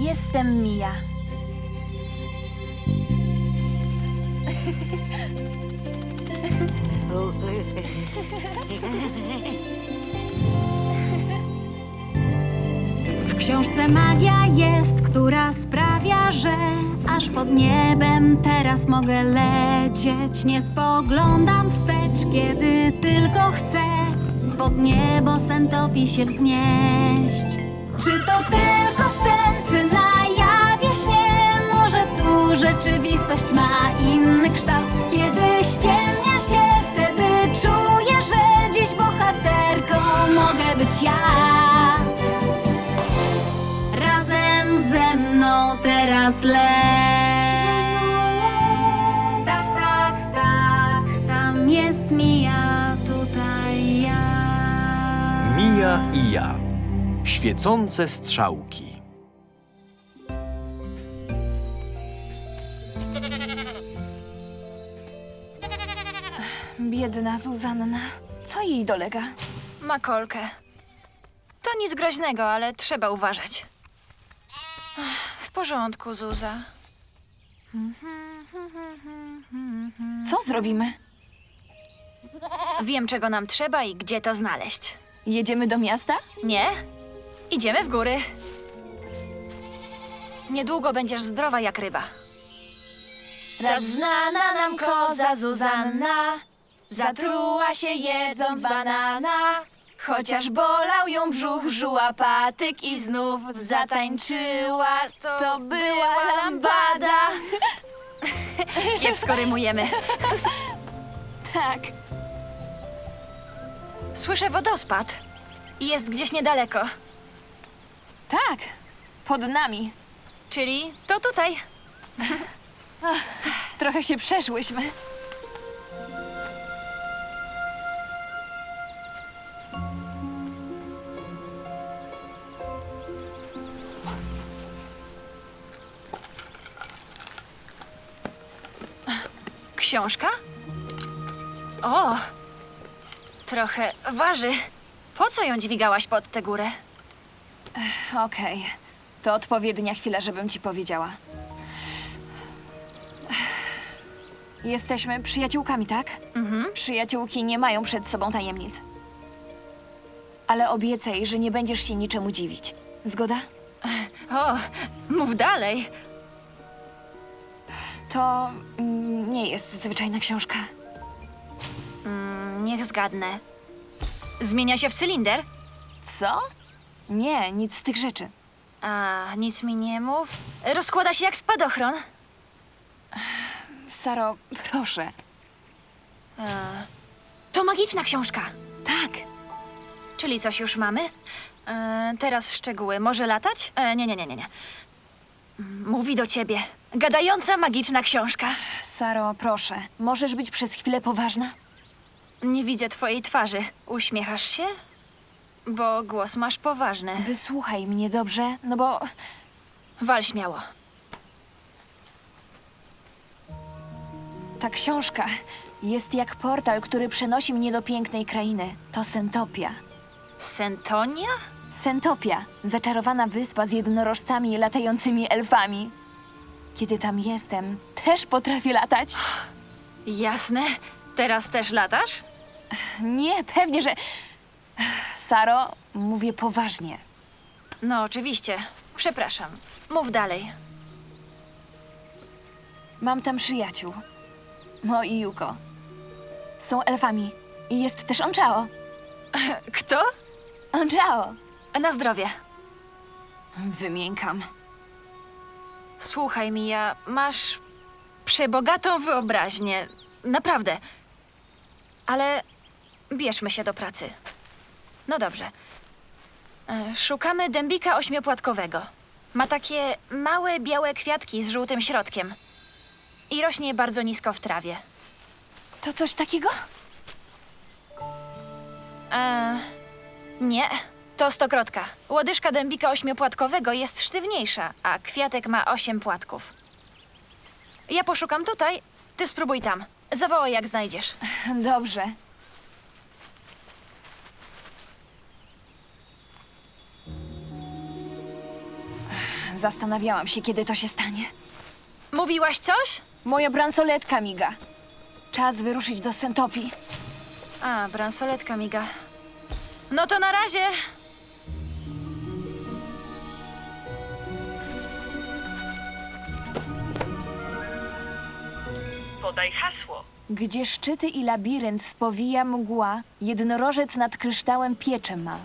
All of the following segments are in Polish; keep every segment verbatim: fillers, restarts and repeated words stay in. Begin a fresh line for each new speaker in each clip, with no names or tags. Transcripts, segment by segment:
Jestem Mia.
W książce magia jest, która sprawia, że aż pod niebem teraz mogę lecieć. Nie spoglądam wstecz, kiedy tylko chcę pod niebo Sentopi się wznieść. Czy to tylko sen, czy na jawie śnie? Może tu rzeczywistość ma inny kształt? Kiedy ściemnia się, wtedy czuję, że dziś bohaterką mogę być ja. Razem ze mną teraz leć. Tak, tak, tak, tam jest Mia, tutaj ja.
Mia i ja. Świecące strzałki.
Biedna Zuzanna. Co jej dolega?
Ma kolkę. To nic groźnego, ale trzeba uważać. Ach, w porządku, Zuza.
Co zrobimy?
Wiem, czego nam trzeba i gdzie to znaleźć.
Jedziemy do miasta?
Nie? Idziemy w góry. Niedługo będziesz zdrowa jak ryba. Raz znana nam koza Zuzanna zatruła się jedząc banana. Chociaż bolał ją brzuch, żuła patyk i znów zatańczyła. To, to była lambada. Kiepsko rymujemy.
Tak.
Słyszę wodospad. Jest gdzieś niedaleko.
Tak. Pod nami.
Czyli to tutaj.
Trochę się przeszłyśmy.
Książka? O! Trochę waży. Po co ją dźwigałaś pod tę górę?
Okej. To odpowiednia chwila, żebym ci powiedziała. Jesteśmy przyjaciółkami, tak?
Mhm.
Przyjaciółki nie mają przed sobą tajemnic. Ale obiecaj, że nie będziesz się niczemu dziwić. Zgoda?
O, mów dalej.
To mm, nie jest zwyczajna książka.
Mm, niech zgadnę. Zmienia się w cylinder?
Co? Nie, nic z tych rzeczy.
A, nic mi nie mów. Rozkłada się jak spadochron.
Saro, proszę.
A, to magiczna książka.
Tak.
Czyli coś już mamy? E, teraz szczegóły. Może latać? E, nie, nie, nie, nie, nie. Mówi do ciebie. Gadająca magiczna książka.
Saro, proszę. Możesz być przez chwilę poważna?
Nie widzę twojej twarzy. Uśmiechasz się? Bo głos masz poważny.
Wysłuchaj mnie, dobrze? No bo
Wal śmiało.
ta książka jest jak portal, który przenosi mnie do pięknej krainy. To Sentopia.
Sentonia?
Sentopia, zaczarowana wyspa z jednorożcami i latającymi elfami. Kiedy tam jestem, też potrafię latać.
Jasne. Teraz też latasz?
Nie, pewnie, że... Saro, mówię poważnie.
No, oczywiście. Przepraszam. Mów dalej.
Mam tam przyjaciół. Mo i Yuko. Są elfami. I jest też Onchao.
Kto?
Onchao!
Na zdrowie.
Wymiękam.
Słuchaj, Mia, masz przebogatą wyobraźnię. Naprawdę. Ale bierzmy się do pracy. No dobrze. E, Szukamy dębika ośmiopłatkowego. Ma takie małe, białe kwiatki z żółtym środkiem. I rośnie bardzo nisko w trawie.
To coś takiego?
E, nie, to stokrotka. Łodyżka dębika ośmiopłatkowego jest sztywniejsza, a kwiatek ma osiem płatków. Ja poszukam tutaj, ty spróbuj tam. Zawołaj, jak znajdziesz.
Dobrze. Zastanawiałam się, kiedy to się stanie.
Mówiłaś coś?
Moja bransoletka miga. Czas wyruszyć do Sentopii.
A, bransoletka miga. No to na razie.
Podaj hasło.
Gdzie szczyty i labirynt spowija mgła, jednorożec nad kryształem piecze ma.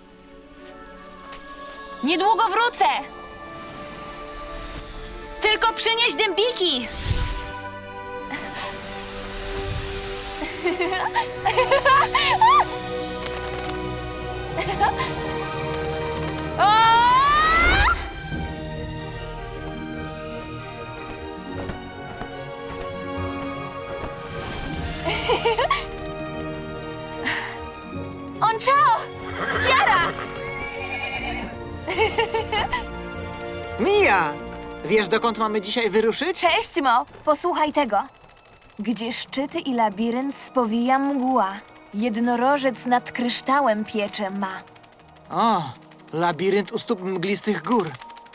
Niedługo wrócę!
Tylko przynieś dębiki!
On czao! Kiara!
Mija! Wiesz, dokąd mamy dzisiaj wyruszyć?
Cześć, Mo! Posłuchaj tego. Gdzie szczyty i labirynt spowija mgła, jednorożec nad kryształem piecze ma.
O, labirynt u stóp mglistych gór.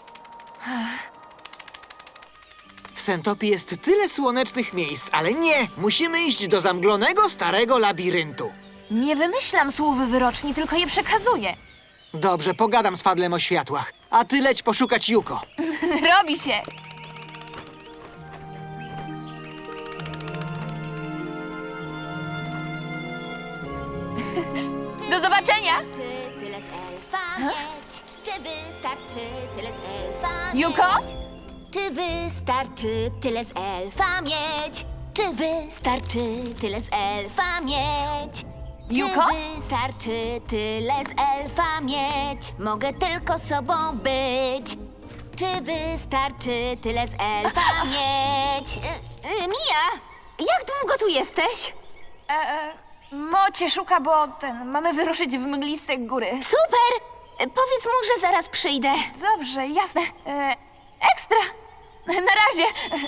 W Sentopii jest tyle słonecznych miejsc, ale nie! Musimy iść do zamglonego, starego labiryntu.
Nie wymyślam słów wyroczni, tylko je przekazuję.
Dobrze, pogadam z Fadlem o światłach, a ty leć poszukać Yuko.
Robi się! Do zobaczenia!
Czy tyle z elfa mieć? Czy wystarczy tyle z elfa mieć?
Juko?
Czy wystarczy tyle z elfa mieć? Czy wystarczy tyle z elfa mieć?
Juko?
Czy wystarczy tyle z elfa mieć? Mogę tylko sobą być. Czy wystarczy tyle z elfa mieć? Y, y, Mija, jak długo tu jesteś?
E, e, Mo cię szuka, bo ten, mamy wyruszyć w mgliste góry.
Super! Y, Powiedz mu, że zaraz przyjdę.
Dobrze, jasne. E, ekstra! Na razie!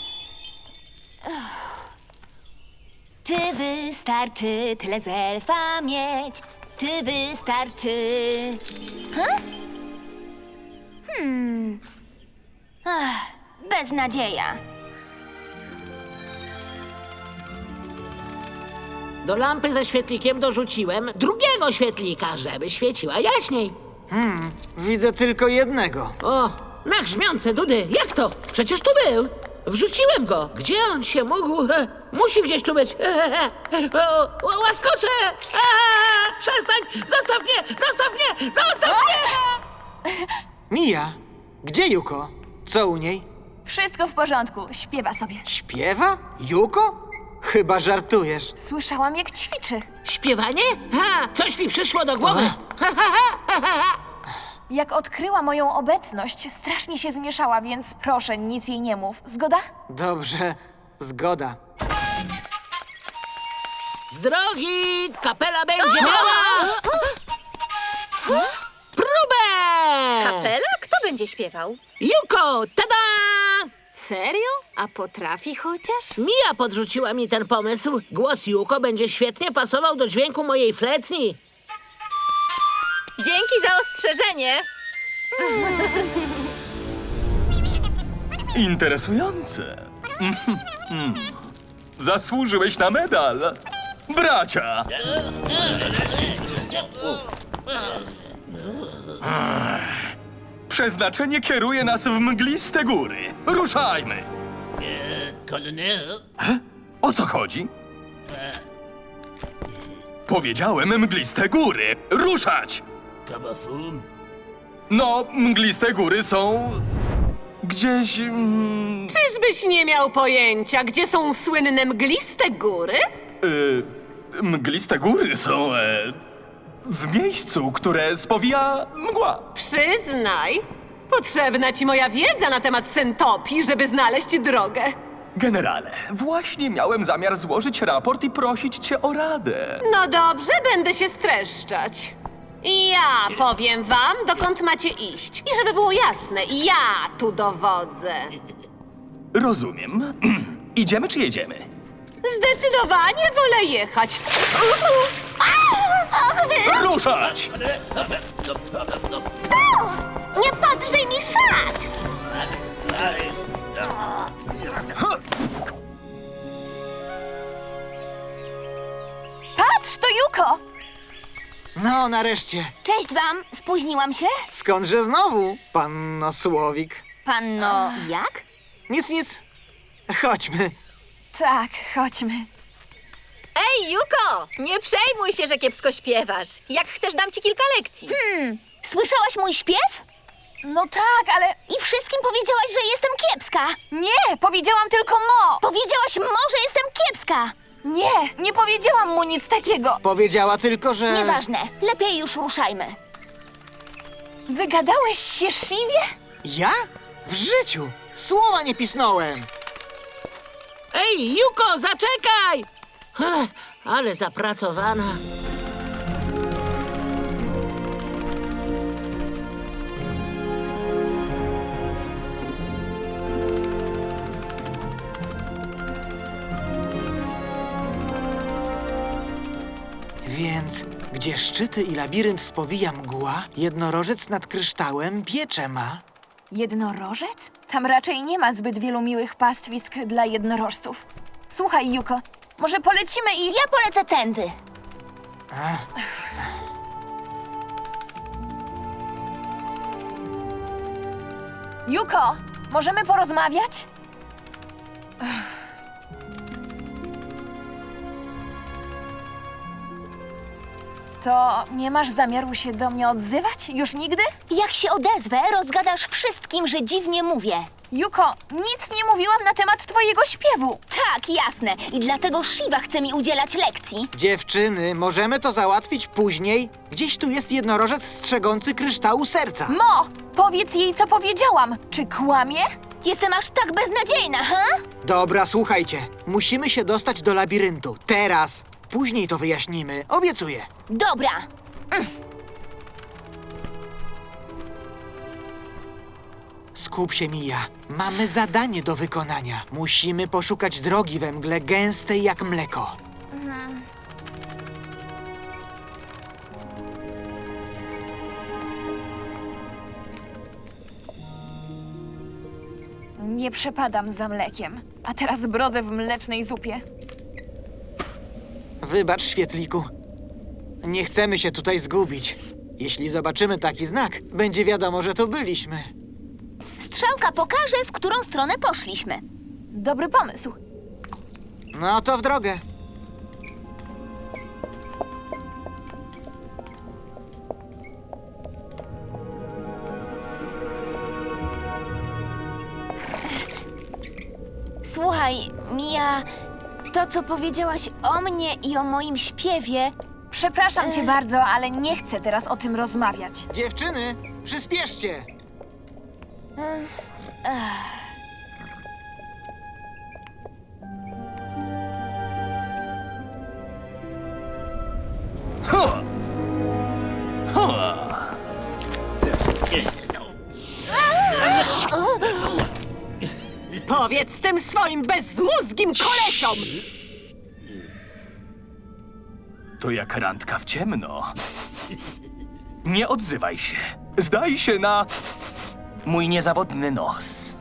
Czy wystarczy tyle z elfa mieć? Czy wystarczy... Huh? Hmm... Ach, beznadzieja.
Do lampy ze świetlikiem dorzuciłem drugiego świetlika, żeby świeciła jaśniej.
Widzę tylko jednego.
O, na grzmiące dudy, jak to? Przecież tu był. Wrzuciłem go. Gdzie on się mógł? E, musi gdzieś tu być. E, e, e, o, o, łaskocze! E, przestań! Zostaw mnie! Zostaw mnie! Zostaw mnie!
Mija, gdzie Yuko? Co u niej?
Wszystko w porządku, śpiewa sobie.
Śpiewa? Yuko? Chyba żartujesz.
Słyszałam, jak ćwiczy.
Śpiewanie? Ha! Coś mi przyszło do głowy. Ha, ha, ha, ha, ha.
Jak odkryła moją obecność, strasznie się zmieszała, więc proszę, nic jej nie mów. Zgoda?
Dobrze, zgoda.
Z drogi! Kapela będzie miała... Próbę!
Kapela? Kto będzie śpiewał?
Yuko! Tada!
Serio? A potrafi chociaż?
Mia podrzuciła mi ten pomysł. Głos Yuko będzie świetnie pasował do dźwięku mojej fletni.
Dzięki za ostrzeżenie!
Interesujące. Mhm, mhm. Zasłużyłeś na medal. Bracia! Przeznaczenie kieruje nas w mgliste góry. Ruszajmy! E, O co chodzi? Powiedziałem mgliste góry. Ruszać! No, mgliste góry są... gdzieś... Mm,
Czyżbyś nie miał pojęcia, gdzie są słynne mgliste góry?
y, mgliste góry są... E, w miejscu, które spowija mgła.
Przyznaj, potrzebna ci moja wiedza na temat Sentopii, żeby znaleźć drogę.
Generale, właśnie miałem zamiar złożyć raport i prosić cię o radę.
No dobrze, będę się streszczać. Ja powiem wam, dokąd macie iść. I żeby było jasne, ja tu dowodzę.
Rozumiem. Idziemy czy jedziemy?
Zdecydowanie wolę jechać.
Ruszać!
Nie podrzyj mi szat!
No, nareszcie.
Cześć wam, spóźniłam się?
Skądże znowu, panno Słowik?
Panno, jak?
Nic, nic. Chodźmy.
Tak, chodźmy.
Ej, Juko! Nie przejmuj się, że kiepsko śpiewasz. Jak chcesz, dam ci kilka lekcji.
Hmm, słyszałaś mój śpiew?
No tak, ale
I wszystkim powiedziałaś, że jestem kiepska.
nie, powiedziałam tylko mo.
Powiedziałaś mo, że jestem kiepska.
Nie, nie powiedziałam mu nic takiego.
Powiedziała tylko, że...
Nieważne, lepiej już ruszajmy.
Wygadałeś się, Siwie?
Ja? W życiu. Słowa nie pisnąłem.
Ej, Juko, zaczekaj! Ech, ale zapracowana.
Więc, gdzie szczyty i labirynt spowija mgła, jednorożec nad kryształem piecze ma.
Jednorożec? Tam raczej nie ma zbyt wielu miłych pastwisk dla jednorożców. Słuchaj, Juko, może polecimy i...
Ja polecę tędy.
Juko, możemy porozmawiać? To nie masz zamiaru się do mnie odzywać? Już nigdy?
Jak się odezwę, rozgadasz wszystkim, że dziwnie mówię.
Juko, nic nie mówiłam na temat twojego śpiewu.
Tak, jasne. I dlatego Shiva chce mi udzielać lekcji.
Dziewczyny, możemy to załatwić później? Gdzieś tu jest jednorożec strzegący kryształu serca.
Mo, powiedz jej, co powiedziałam. Czy kłamie?
Jestem aż tak beznadziejna, ha?
Dobra, słuchajcie. Musimy się dostać do labiryntu. Teraz. Później to wyjaśnimy. Obiecuję.
Dobra.
Skup się, Mija. Mamy zadanie do wykonania. Musimy poszukać drogi we mgle gęstej jak mleko.
Nie przepadam za mlekiem, a teraz brodzę w mlecznej zupie.
Wybacz, świetliku. Nie chcemy się tutaj zgubić. Jeśli zobaczymy taki znak, będzie wiadomo, że to byliśmy.
Strzałka pokaże, w którą stronę poszliśmy.
Dobry pomysł.
No to w drogę.
Słuchaj, Mia, to co powiedziałaś o mnie i o moim śpiewie...
Przepraszam cię bardzo, ale nie chcę teraz o tym rozmawiać.
Dziewczyny, przyspieszcie.
Ha! Ha!
Powiedz tym swoim bezzmózgim kolesiom!
To jak randka w ciemno. Nie odzywaj się. Zdaj się na mój niezawodny nos.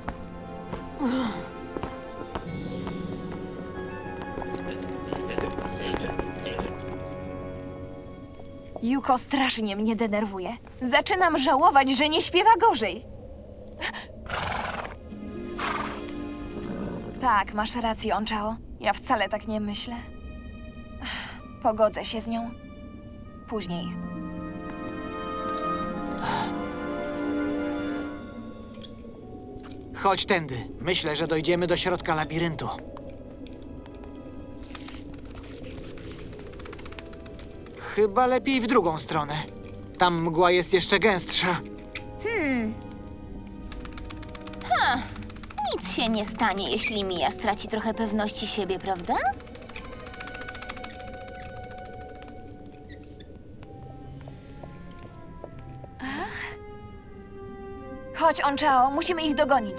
Juko strasznie mnie denerwuje. Zaczynam żałować, że nie śpiewa gorzej. Tak, masz rację, Onchao. Ja wcale tak nie myślę. Pogodzę się z nią. Później.
Chodź tędy. Myślę, że dojdziemy do środka labiryntu. Chyba lepiej w drugą stronę. Tam mgła jest jeszcze gęstsza.
Nic się nie stanie, jeśli Mia straci trochę pewności siebie, prawda?
Chodź, Onchao, musimy ich dogonić.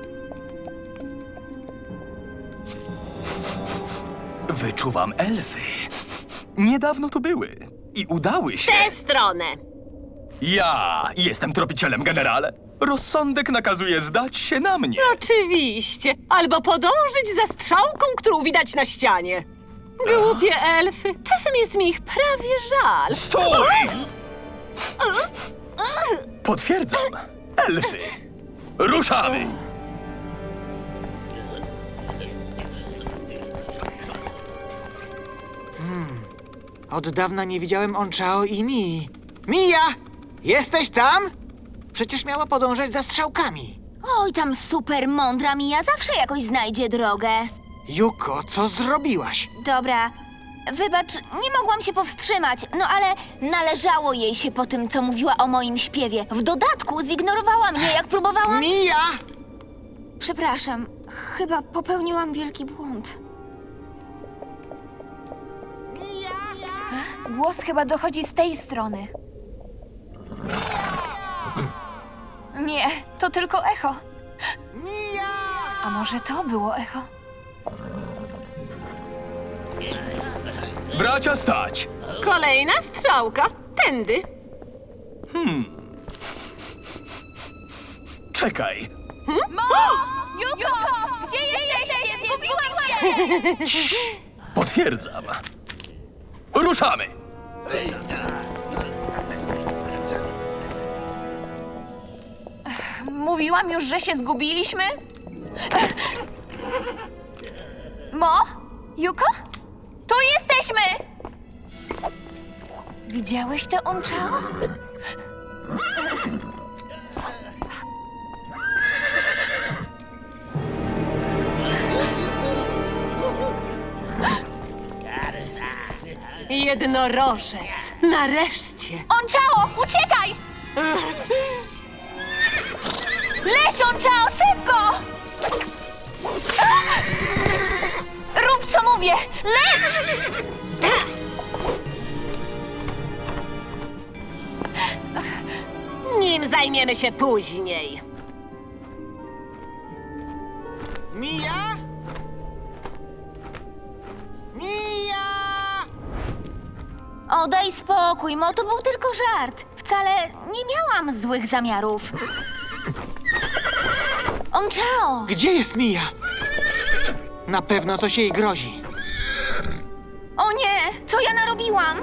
Wyczuwam elfy. Niedawno tu były i udały się.
Tę stronę!
Ja jestem tropicielem, generale. Rozsądek nakazuje zdać się na mnie.
Oczywiście. Albo podążyć za strzałką, którą widać na ścianie. Głupie elfy. Czasem jest mi ich prawie żal.
Stój! Potwierdzam. Elfy. Ruszamy!
Od dawna nie widziałem Onchao i Mii. Mija! Jesteś tam? Przecież miała podążać za strzałkami.
Oj, tam super mądra Mija zawsze jakoś znajdzie drogę.
Juko, co zrobiłaś?
Dobra, wybacz, nie mogłam się powstrzymać, no ale należało jej się po tym, co mówiła o moim śpiewie. W dodatku zignorowała mnie, jak próbowałam...
Mija!
Przepraszam, chyba popełniłam wielki błąd.
Głos chyba dochodzi z tej strony. Nie, to tylko echo. A może to było echo?
Bracia, stać!
Kolejna strzałka. Tędy.
Czekaj.
Juko! Gdzie jesteście? Zgubiłam się!
Potwierdzam. Ruszamy!
Mówiłam już, że się zgubiliśmy? Mo? Juko? Tu jesteśmy! Widziałeś to, Onchao?
Jednorożec. Nareszcie.
Onchao, uciekaj! Leć, Onchao, szybko! Rób, co mówię! Leć!
Nim zajmiemy się później.
Mija? Mija!
O, daj spokój, Mo, to był tylko żart. Wcale nie miałam złych zamiarów. Onchao!
Gdzie jest Mija? Na pewno coś jej grozi.
O nie, co ja narobiłam?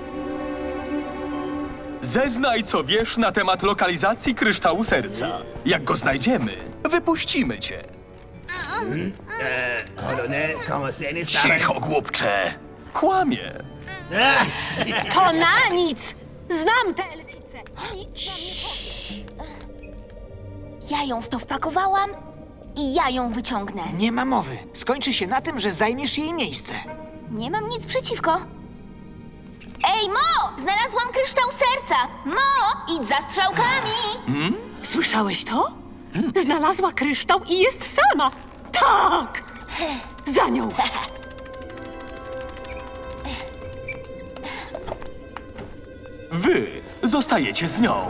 Zeznaj, co wiesz na temat lokalizacji kryształu serca. Jak go znajdziemy, wypuścimy cię. Cicho, głupcze. Kłamie.
To na nic. Znam tę elficę. Nic nam nie powie.
Ja ją w to wpakowałam i ja ją wyciągnę.
Nie ma mowy. Skończy się na tym, że zajmiesz jej miejsce.
Nie mam nic przeciwko. Ej, Mo! Znalazłam kryształ serca! Mo! Idź za strzałkami!
Słyszałeś to? Znalazła kryształ i jest sama. Tak! Za nią.
Wy zostajecie z nią.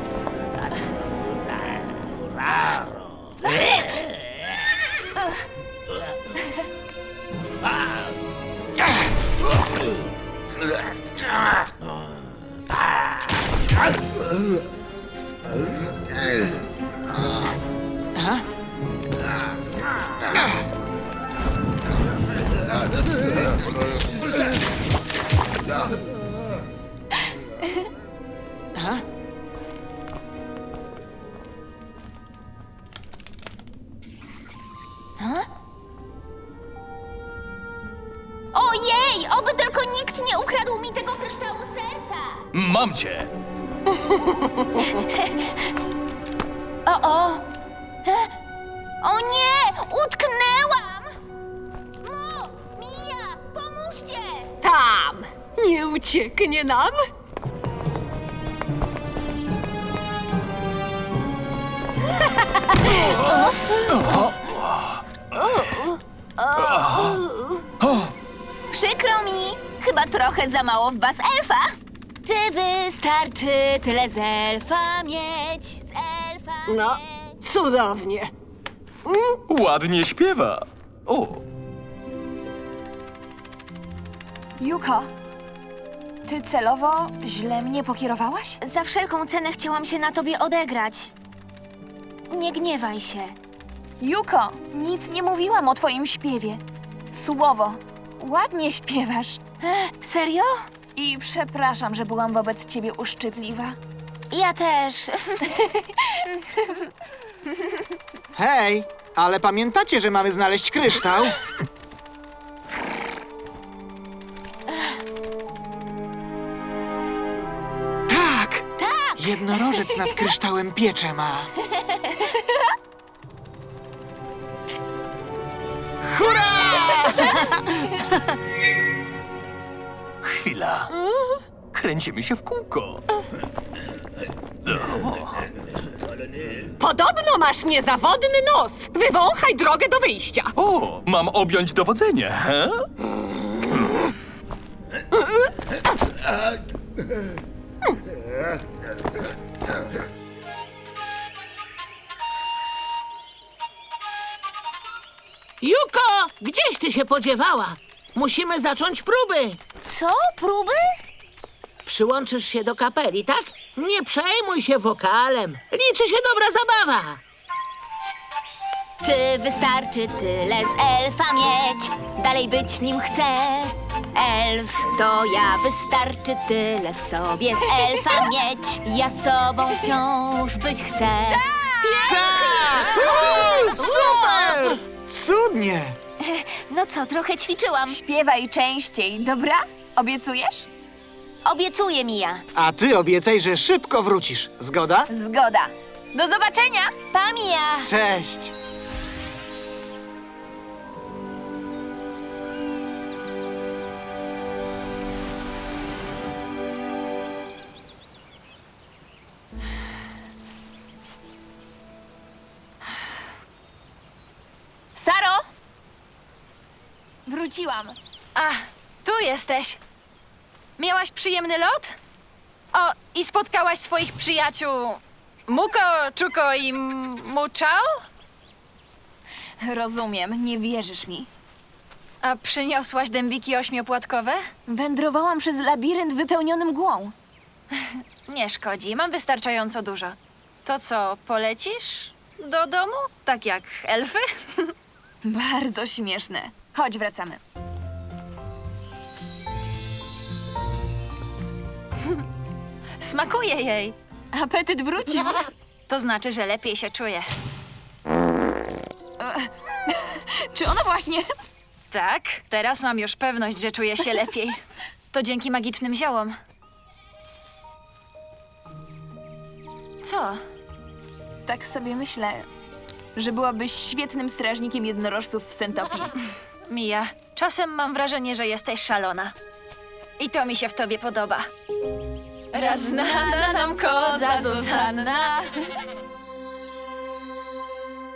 Ojej! Oby tylko nikt nie ukradł mi tego kryształu serca!
Mam cię.
O, o! E? O nie! Utknęłam! Mo! Mija! Pomóżcie!
Tam. Nie ucieknie nam.
Przykro mi! Chyba trochę za mało w was elfa. Czy wystarczy tyle z elfa mieć? Z elfa
No,
mieć?
cudownie.
Ładnie śpiewa. O,
Juko, ty celowo źle mnie pokierowałaś?
Za wszelką cenę chciałam się na tobie odegrać. Nie gniewaj się.
Juko, nic nie mówiłam o twoim śpiewie. Słowo. ładnie śpiewasz.
E, serio?
I przepraszam, że byłam wobec ciebie uszczypliwa.
Ja też.
Hej, ale pamiętacie, że mamy znaleźć kryształ? Tak!
Tak!
Jednorożec nad kryształem piecze ma.
Chwila. Kręcimy się w kółko.
Podobno masz niezawodny nos. Wywąchaj drogę do wyjścia.
O, mam objąć dowodzenie, he?
Juko, gdzieś ty się podziewała? Musimy zacząć próby.
Co? Próby?
Przyłączysz się do kapeli, tak? Nie przejmuj się wokalem. Liczy się dobra zabawa.
Czy wystarczy tyle z elfa mieć? Dalej być nim chcę. Elf to ja, wystarczy tyle w sobie z elfa mieć. Ja sobą wciąż być chcę.
Tak! Uuu, super! Cudnie!
No co, trochę ćwiczyłam.
Śpiewaj częściej, dobra? Obiecujesz?
Obiecuję, Mija.
A ty obiecaj, że szybko wrócisz. Zgoda?
Zgoda. Do zobaczenia!
Pa, Mija.
Cześć!
Saro! Wróciłam.
A, tu jesteś. Miałaś przyjemny lot? O, i spotkałaś swoich przyjaciół Muko, Czuko i M- Muchao?
Rozumiem, nie wierzysz mi.
A przyniosłaś dębiki ośmiopłatkowe?
Wędrowałam przez labirynt wypełniony mgłą.
Nie szkodzi, mam wystarczająco dużo. To co, polecisz do domu? Tak jak elfy?
Bardzo śmieszne. Chodź, wracamy.
Smakuje jej.
Apetyt wrócił.
To znaczy, że lepiej się czuje.
Czy ona właśnie...
Tak, teraz mam już pewność, że czuję się lepiej. To dzięki magicznym ziołom. Co?
Tak sobie myślę, że byłabyś świetnym strażnikiem jednorożców w Sentopii.
Mija, czasem mam wrażenie, że jesteś szalona. I to mi się w tobie podoba. Raz znana nam koza Zuzanna